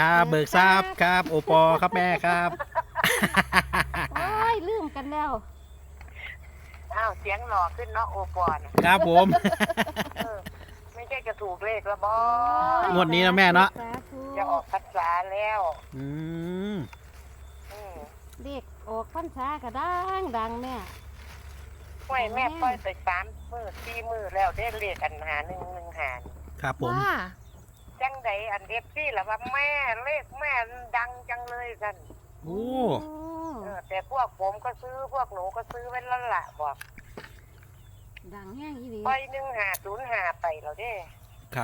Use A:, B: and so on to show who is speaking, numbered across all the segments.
A: ครับเบิกทราบครับโอปอครับแม่ครับ
B: โอ้ยลืมกันแล้ว
C: อ้าวเสียงหล่อขึ้นเนาะโอปอน
A: ครับผม
C: เออไม่ใช่จะถูกเลขแล้วบอ
A: งวดนี้นะแม่เนาะ
B: สาธุ
C: จะออกพรรษาแล้ว
A: อืม
C: อืม
B: เด็กออกพรรษาก็ดังแม่
C: ห้วยแม่ปล่อยไป3 มื้อ 4 มื้อแล้วได้เลขอันหา
A: ครับผม
B: ว่า
C: จังใดอันเด็กซี่ล่ะว่าแม่เลขแม่ดังจังเลยกัน
A: โอ้
C: แต่พวกผมก็ซื้อพวกหนูก็ซื้อไว้แล้วล่ะบอก
B: ดังแห้งอีหลี
C: ปล่อย1 5 0 5ไปแล้วเด้
A: ครับ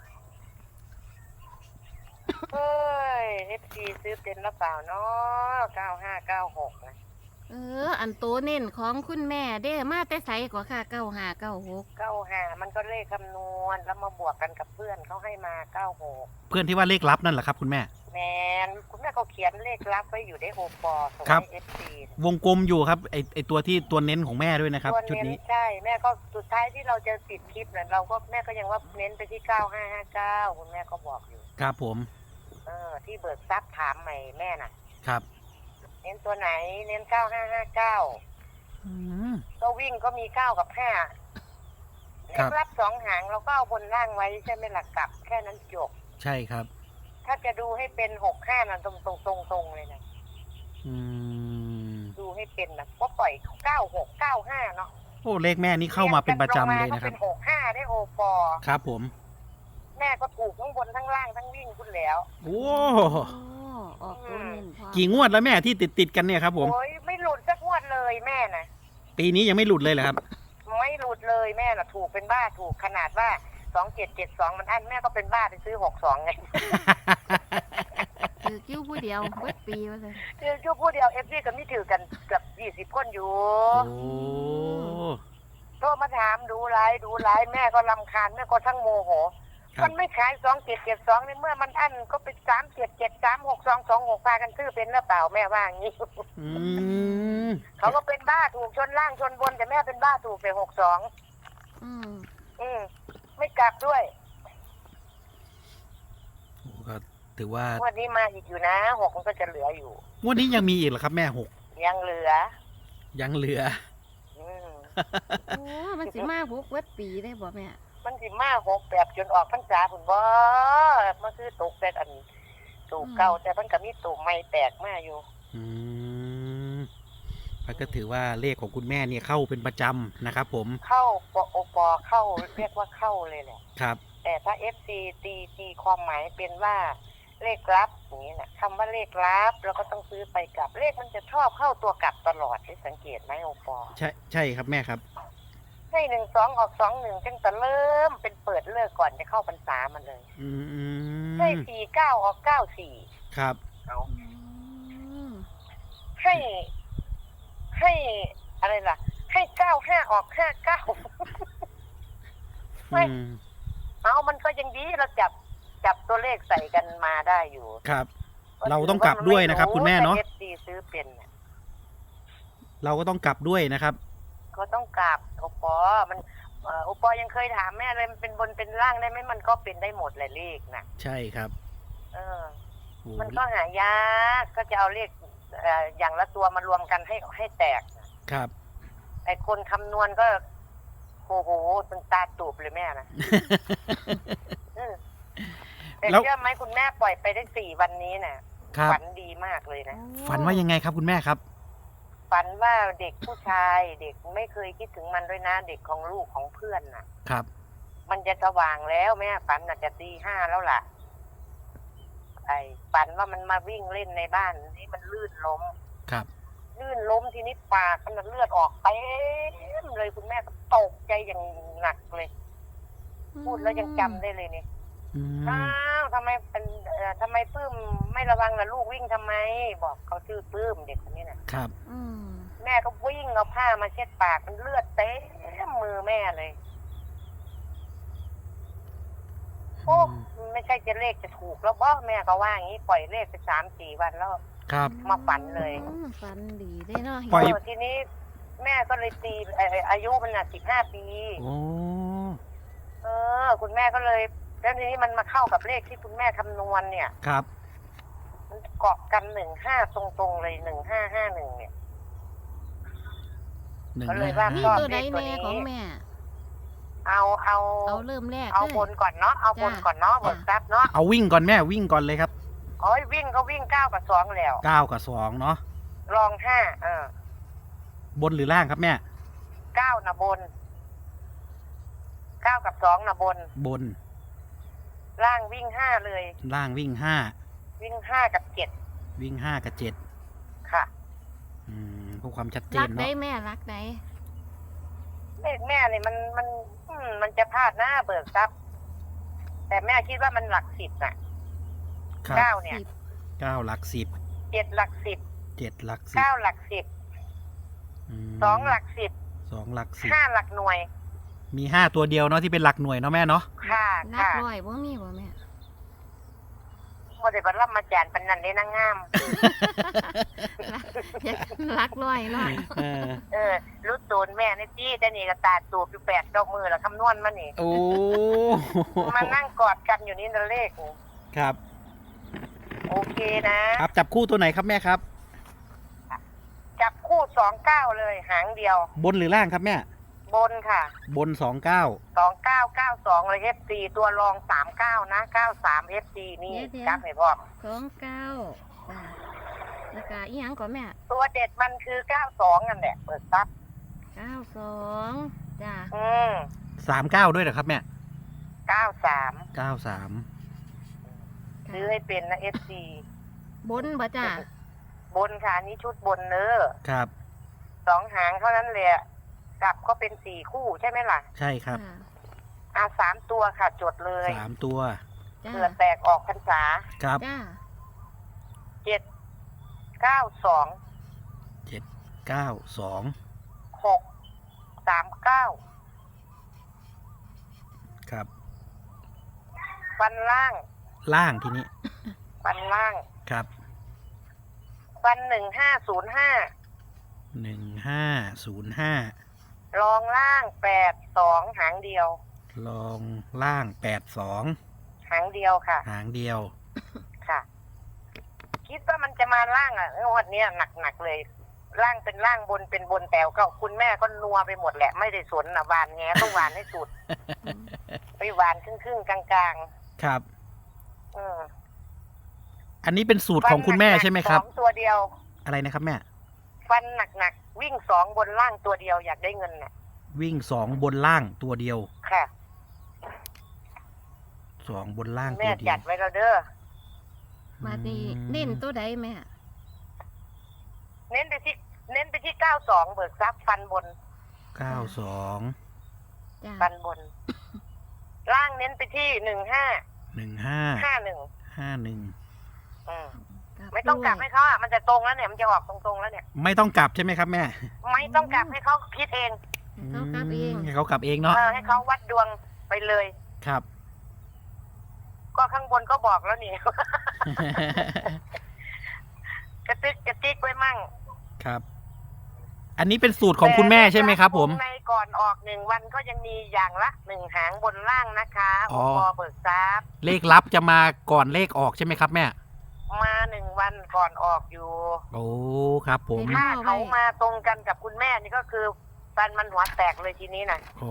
C: เฮ้ย FC ซื้อเป็นหรือเปล่าเนาะ9596นะ
B: อันโตเน้นของคุณแม่เด้มาแต่ไสกว่าค่ะ9596
C: 95มันก็เลขคำนวณแล้วมาบวกกันกับเพื่อนเขาให้มา96
A: เพื่อนที่ว่าเลขลับนั่นแหละครับคุณแม่
C: แมนคุณแม่เขาเขียนเลขลับไว้อยู่ในโอปอส่ง
A: ครับ
C: ให้ FC
A: วงกลมอยู่ครับไอตัวที่ตัวเน้นของแม่ด้วยนะครับ
C: ตัว
A: ชุด
C: เน้น
A: นี้
C: ใช่แม่ก็สุดท้ายที่เราจะปิดคลิปเนี่ยเราก็แม่ก็ยังว่าเน้นไปที่9559คุณแม่ก็บอกอยู่
A: ครับผม
C: ที่เบิกทรัพย์ถามใหม่แม่น่ะ
A: ครับ
C: เน้นตัวไหนเน้น9559
A: อืม
C: ก็วิ่งก็มี9กับ5
A: ครั
C: เล
A: บ
C: ขลับ2 หางเราก็เอาบนล่างไว้ใช่ไหมหลักกลับแค่นั้นจบ
A: ใช่ครับ
C: ถ้าจะดูให้เป็น65น่ะตรงเลยนะ
A: อืม
C: ดูให้เป็นนะก็ปล่อย9695เนาะ
A: โอ้เลขแม่นี่เข้ามาเป็นประจำเลยนะครับ
C: ก็เป็น65ได้โอปอ
A: ครับผม
C: แม่ก็ถูกทั้งบนทั้งล่างทั้งวิ่งคุณแล้ว
A: โอ้
B: ออกตัวเน้นพร้อม
A: กี่งวดแล้วแม่ที่ติดกันเนี่ยครับผม
C: โอ้ยไม่หลุดสักงวดเลยแม่น่ะ
A: ปีนี้ยังไม่หลุดเลยเหรอครับ
C: ไม่หลุดเลยแม่น่ะถูกเป็นบ้าถูกขนาดว่า2772มันอันแม่ก็เป็นบ้าไปซื้อ62ไง
B: ถือกิ้วผู้เดียวเบิดปีว่าซั่น
C: คือชั่วผู้เดียว FC ก็มีถือกันเกือบ20คนอยู่
A: โอ้
C: โทรมาถามดูไลฟ์แม่ก็รำคาญแม่ก็ทั้งโมโห
A: ครับ
C: มันไม่ขาย2772ในเมื่อมันอั้นก็เป็น37736226พากันซื้อเป็นหรือเปล่าแม่ว่าอย่างนี้
A: อืม
C: เขาก็เป็นบ้าถูกชนล่างชนบนแต่แม่เป็นบ้าถูกไป62
B: อืม
C: ไม่กลับด้วย
A: โอ้ก็ถือว่า
C: วันนี้มาอีกอยู่นะ6มันก็จะเหลืออยู่
A: งวดนี้ยังมีอีกเหรอครับแม่หก
C: ยังเหลือ
A: ยังเหลือ
C: อืม
B: โอ้มันสิมาพกเบิดปีได้บ่แม่
C: มันสิมา6แบบจนออกพรรษาพุ่นบ่มาซื้อตกแต่อันตูกเก่าแต่มันก็มีตูกใหม่แตกมาอยู่
A: อืมมันก็ถือว่าเลขของคุณแม่เนี่ยเข้าเป็นประจำนะครับผม
C: เข้าโอปอเข้าเรียกว่าเข้าเลยแหละ
A: ครับ
C: แต่ถ้า FC ตีความหมายเป็นว่าเลขลับอย่างนี้นะคำว่าเลขลับเราก็ต้องซื้อไปกลับเลขมันจะชอบเข้าตัวกลับตลอดได้สังเกตไหมโอปอ
A: ใช่ครับแม่ครับ
C: ให้12ออก21จังแต่เริ่มเป็นเปิดเลิกก่อนจะเข้าพรรษามันเลย
A: อืม
C: ให้49ออก94
A: ครับ
C: เอา
B: อืม
C: ให้อะไรล่ะ ให้95ออก59
A: อืม
C: เอามันก็ยังดีเราจับตัวเลขใส่กันมาได้อยู่
A: ครับ เราต้องกลับด้วยนะครับคุณแม่เนาะ
C: แต่ FC ซื้อเป็นเนี่ย
A: เราก็ต้องกลับด้วยนะครับ
C: ก็ต้องกลับโอปอมันโอปอยังเคยถามแม่เลยมันเป็นบนเป็นล่างได้ไหมมันก็เป็นได้หมดแหละเลขนะ
A: ใช่ครับ
C: เออ
A: โอ้
C: มันก็หายากก็จะเอาเลขอย่างละตัวมารวมกันให้แตกนะครับ ไอ้คนคำนวณก็โอ้โหตึงตาตูบเลยแม่นะ แต่
A: แล้ว
C: เชื่อไหมคุณแม่ปล่อยไปได้4 วันนี้น่ะ
A: ครับ
C: ฝันดีมากเลยนะ
A: ฝันว่ายังไงครับคุณแม่ครับ
C: ฝันว่าเด็กผู้ชายเด็กไม่เคยคิดถึงมันด้วยนะ เด็กของลูกของเพื่อนน่ะ
A: ครับ
C: มันจะสว่างแล้วแม่ฝันน่ะจะตี 5แล้วล่ะไอ้ฝันว่ามันมาวิ่งเล่นในบ้านนี่มันลื่นล้ม
A: ครับ
C: ลื่นล้มทีนี้ปากมันเลือดออกเต็มเลยคุณแม่ก็ตกใจอย่างหนักเลย พูดแล้วยังจำได้เลยนี่
A: อืม
C: อ้าวทำไมทำไมปื้มไม่ระวังล่ะลูกวิ่งทำไม บอกเขาชื่อปื้มเด็กคนนี้น่ะ
A: ครับ
B: อืม
C: แม่ก็วิ่งเอาผ้ามาเช็ดปากมันเลือดเต็มมือแม่เลย โอ้ไม่ใช่จะเลขจะถูกแล้วบ่แม่ก็ว่าอย่างนี้ปล่อยเลขไป3-4 วันแล้ว
A: ครับ
C: มาฝันเลย
B: ฝันดีได้เนาะ
A: ปล่อย
C: ทีนี้แม่ก็เลยตีอายุมัน15 ปี
A: โอ้
C: คุณแม่ก็เลยแล้วทีนี้มันมาเข้ากับเลขที่คุณแม่คำนวณเนี่ย
A: ครับ
C: เกาะกัน15ตรงๆเลย1551เนี่ย
A: หนึ่ง
C: ก็เลย
A: ห้า
C: ว่า
B: มี
A: ห้า
B: ตัวใด
C: เลขตัว
B: แน่
C: นี้
B: ของแม่
C: เอา
B: เอาเริ่มแรก
C: เอา
B: เลย
C: บนก่อนเนาะเอาบนก่อนเนาะ
B: จ้ะ
C: เบิกทรัพย์เนาะ
A: เอาวิ่งก่อนแม่วิ่งก่อนเลยครับ
C: โอ้ยวิ่งก็วิ่ง9กับ2แล้ว
A: 9 กับ 2เนาะ
C: รอง5
A: บนหรือล่างครับแม่
C: 9นะบน9กับ2นะบน
A: บน
C: ล่างวิ่ง5เลย
A: ล่างวิ่ง
C: วิ่ง5กับ7
A: 5วิ่ง5 กับ 7
C: ค่ะ
A: เพื่อความชัดเจ
B: รั
A: น
B: กได้
A: เนาะ
B: แม่รักได้
C: เลขแม่เนี่ยมันจะพลาดหน้าเบิกทรัพย์แต่แม่คิดว่ามันหลัก10น่ะ
A: ครับ
C: 9เนี่ย
A: 9 หลัก 10
C: 7หลัก10
A: 7 หลัก
C: 9หลัก10
A: 10
C: 2หลัก10
A: 2 หลัก
C: 5หลักหน่วย
A: 10มี5ตัวเดียวเนาะที่เป็นหลักหน่วยเนาะแม่เนาะ
C: ค่ะ
B: รัก
C: ค่ะ
B: ร้อยบ่มีบ่แม่
C: บ่ได้บรรลับมาจานปันนันเลยนางงาม
B: อยากรักร้อยเนาะ
C: รู้ตูนแม่นี่จี้แต่นี่ก็ตาตูบอยู่8-9 มือแล้วคำนวณมานี่
A: โอ้
C: มานั่งกอดกันอยู่นี่นั่นเลข
A: ครับ
C: โอเคนะครับ
A: จับคู่ตัวไหนครับแม่ครับ
C: จับคู่29เลยหางเดียว
A: บนหรือล่างครับแม่
C: บนค่ะ
A: บน 29
C: 2992เลย FC ตัวรอง39นะ93 FC นี่จับให้พ่อ
B: 29จ้ะแล้วก็อีหยังก่อนแม่
C: ตัวเด็ดมันคือ92นั่นแหละเปิดซับ
B: 92จ้ะ
A: 39ด้วยเหรอครับแม่
C: 93
A: 93
C: ซื้อให้เป็นนะ FC
B: บนบ่จ้ะ
C: บนค่ะอันนี้ชุดบนเนอะ
A: ครับ
C: 2 หางเท่านั้นเลยกลับก็เป็น4คู่ใช่ไหมล่ะ
A: ใช่ครับ
C: 3 ตัวค่ะจดเลย
A: 3 ตัว
B: จ้ะ
C: เผื่อแตกออกพรรษา
A: ครับ
B: จ้ะ
C: 792
A: 792
C: 639
A: ครับ
C: ฟันล่าง
A: ล่างทีนี้
C: ฟันล่าง
A: ครับ
C: ฟัน1505
A: 1505
C: รองล่าง82หางเดียว
A: ลองล่าง82
C: หางเดียวค่ะ
A: หางเดียว
C: ค่ะ คิดว่ามันจะมาล่างงวดเนี้ยหนักๆเลย ล่างเป็นล่างบนเป็นบนแต่ก็คุณแม่ก็นัวไปหมดแหละไม่ได้สนนะหวานแง่ต้องหวานให้สุด ไปหวานครึ่งๆกลางๆ
A: ครับ
C: อืม
A: อันนี้เป็นสูตรของคุณแม่ใช่ไหมครับ
C: ฟันนักๆ2ตัวเดียว
A: อะไรนะครับแม่
C: ฟันหนักๆวิ่ง2บนล่างตัวเดียวอยากได้เงินน่ะ
A: วิ่ง2บนล่างตัวเดียว
C: ค่ะ
A: 2บนล่างตั
C: แม่
A: วเดีย
C: จั
A: ว
C: ดไว้แล้วเด้อ
B: มาดีเน้นตัวใดแม่
C: เน้นไปที่92เบิกทรัพย์ฟันบน
A: 92
B: จ้ะ
C: ฟันบน ล่างเน้นไปที่15
A: 15
C: 51
A: 51
C: ไม่ต้องกลับให้เขาอ่ะมันจะตรงแล้วเนี่ยมันจะออกตรงๆแล้วเนี่ย
A: ไม่ต้องกลับใช่ไหมครับแม่
C: ไม่ต้องกลับให้เขาคิดเอง
B: เขากลับเอง
A: ให้เขากลับเองเนาะ
C: ให้เขาวัดดวงไปเลย
A: ครับ
C: ก็ข้างบนก็บอกแล้วนี่ กระติกไว้มั่ง
A: ครับ อันนี้เป็นสูตรของคุณแม่ใช่ไหมครับผม
C: ในก่อนออก1 วันก็ยังมีอย่างละ1 หางบนล่างนะคะ
A: อ๋อ
C: ปเบิกทรัพย์
A: เลขลับจะมาก่อนเลขออกใช่ไหมครับแม่
C: มา1 วันก่อนออกอยู่
A: โอ้ครับผม
C: ถ้าเขามาตรงกันกับคุณแม่นี่ก็คือฟันมันหัวแตกเลยทีนี้นะ
A: โอ้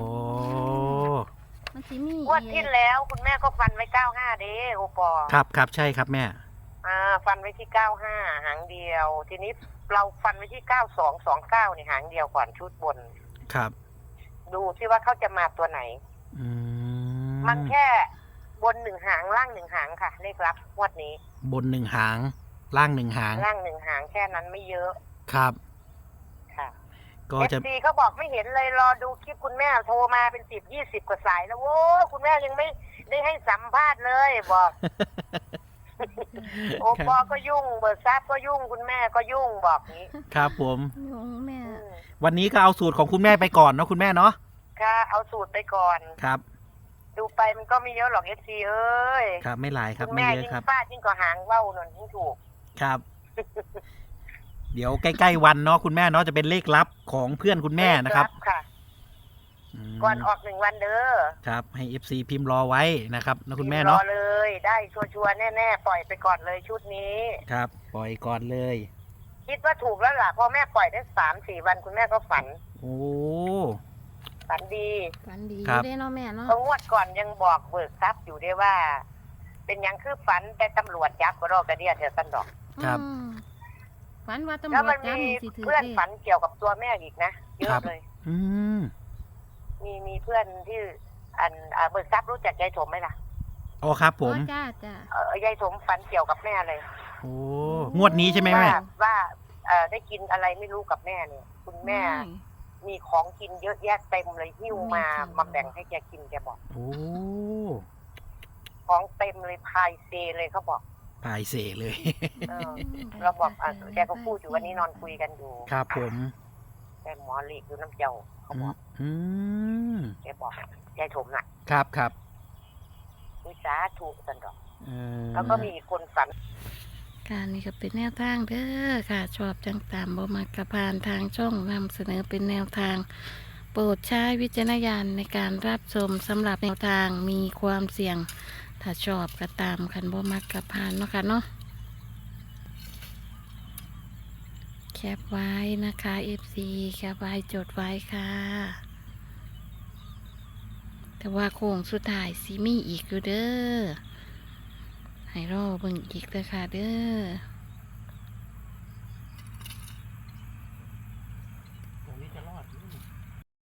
B: มันสิมี
C: งวดที่แล้วคุณแม่ก็ฟันไว้95เด้โอปอ
A: ครับครับใช่ครับแม่
C: ฟันไว้ที่95หางเดียว ทีนี้เราฟันไว้ที่9229นี่หางเดียวก่อนชุดบน
A: ครับ
C: ดูที่ว่าเขาจะมาตัวไหน
A: อืม
C: มันแค่บน1 หางล่าง1 หางค่ะ เลขลับงวดนี้
A: บน1 หาง ล่าง 1 หาง
C: ล่าง1 หางแค่นั้นไม่เยอะ
A: ครับ
C: ค่ะ
A: ก็จะ
C: FC เขาบอกไม่เห็นเลยรอดูคลิปคุณแม่โทรมาเป็น10-20 กว่าสายแล้วโว้ยคุณแม่ยังไม่ได้ให้สัมภาษณ์เลยบอก โอปอก็ยุ่งเบิร์ดซับก็ยุ่งคุณแม่ก็ยุ่งบอกนี้
A: ครับผม
B: ยงแม่
A: วันนี้ก็เอาสูตรของคุณแม่ไปก่อนเนาะคุณแม่เนาะ
C: ค่ะเอาสูตรไปก่อน
A: ครับ
C: ดูไปมันก็ไม่เยอะหรอก FC เอ้ย
A: ครับไม่หลายครับ
C: คุณ
A: ไม่
C: แม่
A: เย
C: ยิ่
A: อะ
C: ง
A: ครับ
C: ฟาดยิ่งกว่าหางว่าวหนนยิ่งถูก
A: ครับ เดี๋ยวใกล้ๆวันเนาะคุณแม่เนาะจะเป็นเลขลับของเพื่อนคุณแม่นะครับ
C: ค่ะ
A: ม
C: ก่อนออก1 วันเด้อ
A: ครับให้ FC พิมพ์รอไว้นะครับนะคุณแม่
C: รอ
A: เนาะ
C: เลย ได้ชัวร์ๆแน่ๆปล่อยไปก่อนเลยชุดนี้
A: ครับ ปล่อยก่อนเลย
C: คิดว่าถูกแล้วล่ะพอแม่ปล่อยได้3-4 วันคุณแม่ก็ฝัน
A: โอ้
C: ฝันดี
B: ฝันดีอ
A: ครั
B: ยู่
A: บ
B: ได้เนาะแม่เนาะ
C: เพราะงวดก่อนยังบอกเบิกทรัพย์อยู่ได้ว่า เป็นหยังคือฝันแต่ตำรวจจับก็รอกระเดียเถอะสันดอก
A: ครับ
B: อืมฝันว่าตำร
C: แล้ว
B: ว
C: มั
B: จ
C: น
B: จับ
C: มี
B: นี่สิถือ
C: เพื่อน
B: เลข
C: ฝันเกี่ยวกับตัวแม่อีกนะเย
A: ครั
C: อะ
A: บ
C: เลย
A: อืม
C: มีเพื่อนที่เบิกทรัพย์รู้จักยายถมไหมล่ะ
A: อ๋อครับผม
B: อ๋อจ้าจ้าย
C: ายถมฝันเกี่ยวกับแม่เลย
A: โอ้งวดนี้ใช่ไหมแม่
C: ว่าได้กินอะไรไม่รู้กับแม่เนี่ย คุณแม่ มีของกินเยอะแยะเต็มเลยหิ้วมาแบ่งให้แกกินแกบอก
A: โอ้
C: ของเต็มเลยพายเซเลยเขาบอก
A: พายเสเลย
C: เออ เราบอกแกก็พูดอยู่วันนี้นอนคุยกันอยู่
A: ครับผม
C: แกหมอหลีกอยู่น้ำเจ้าเขาบอก
A: อืม
C: แกบอกยายถมน่ะ
A: ครับครับ
C: วิสาถูกสันดอก
A: เออ
C: แล้วก็มีอีกคนฝัน
B: การนี้ก็เป็นแนวทางเด้อค่ะ ชอบจังตามบ่มักกระพานทางช่องนำเสนอเป็นแนวทาง โปรดใช้วิจารณญาณในการรับชมสำหรับแนวทางมีความเสี่ยง ถ้าชอบก็ตามคันบ่มักกระพานเนาะค่ะเนาะแคปไว้นะคะ FC แคปไว้จดไว้ค่ะ แต่ว่าโค้งสุดท้ายสิมีอีกอยู่เด้อให้รอเบิ่งอีกเด้อค่ะเด้อ